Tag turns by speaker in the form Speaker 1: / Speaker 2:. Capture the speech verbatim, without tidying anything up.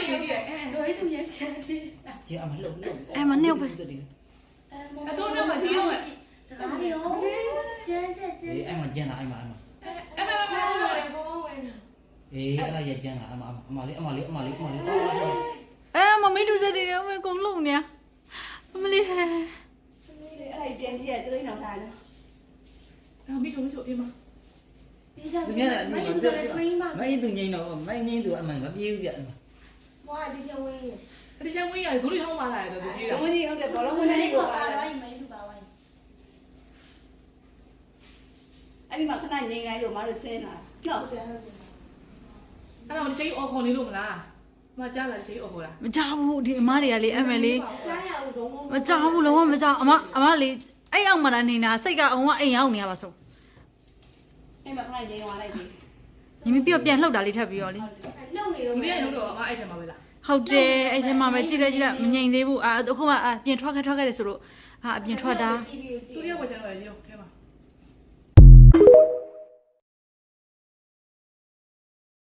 Speaker 1: ရည်ရဲ့အဲလိုသူရချမ်းလေး
Speaker 2: ကျအမလှုပ်လှုပ်
Speaker 3: အဲမနှုတ်ပဲ
Speaker 1: အတော့တော့မကြည့်အောင်
Speaker 4: ဒါလေးရောကျန်းကျန်းကျန်း
Speaker 2: အေးအဲ့မှာကျန်လာအဲ့မှာအဲ့မှာ
Speaker 1: အဲ့မမမလို့ဘောဝင်
Speaker 2: အေးအဲ့ဒါရကျန်လာအမအမလေးအမလေးအမလေးအမလေး
Speaker 3: အဲမမေတူစက်တွေရောမကုန်လုံးနေမလေးဟဲ
Speaker 4: အဲ့ဒါကျန်းကြီးကကျလိမ့်အောင်ထားတယ်
Speaker 1: အော်မိချုံမိချုံအေးမ
Speaker 4: ပြီးကြ
Speaker 2: သူများလည်းအမြင်တော့မင်းသူငိမ့်တော့မင်းငိမ့်သူအမှန်မပြေးဘူးပြအမ
Speaker 4: မွားဒီချက်ဝင်း
Speaker 1: ဒီချမ်းဝင်းရဇိုးလေးဟောင်းပါလာတယ်သူပြေးတာ
Speaker 4: ဇုံးကြီးဟုတ်တယ်ဘောလုံးဝင်နေကိုပါတော့မင်းသူပါဝိုင်းအဲ့ဒီမှာခဏငိမ့်လိုက်လို့မတို့ဆင်းလာတော့ဟုတ်တယ်ဟုတ်တယ်
Speaker 1: အဲ့တော့ဒီချိန်အော်ခေါ်နေလို့မလားမကြားလားချိန်အော်ခေါ်တာ
Speaker 3: မကြောက်ဘူးဒီအမတွေကလေအမလေး
Speaker 4: ကြားရအောင်လုံးဝ
Speaker 3: မကြောက်ဘူးလုံးဝမကြောက်အမအမလေးအဲ့အောင်မတာနေတာစိတ်ကအုံကအိမ်ရောက်နေရပါဆုံး
Speaker 4: အဲ့မှာခဏငိမ့်သွားလိုက်ပြီ
Speaker 3: ညီမပြောပြန်လှုပ်တာလေးထပ်ပြီးရောလေ
Speaker 4: လှုပ်နေတော့
Speaker 1: ဒီနေ့ရုံးတော့အမအဲ့ထဲမှာပဲလား
Speaker 3: ဟုတ်တယ်အဲ့ထဲမှာပဲကြည့်လိုက်ကြည့်လိုက်မငြိမ်သေးဘူးအာအခုမှအပြင်ထွက်ခဲ့ထွက်ခဲ့တယ်ဆိုလို့အာအပြင်ထွက်တာ
Speaker 1: သူတယောက်ဝယ်ကြတော့ရေထဲမှာ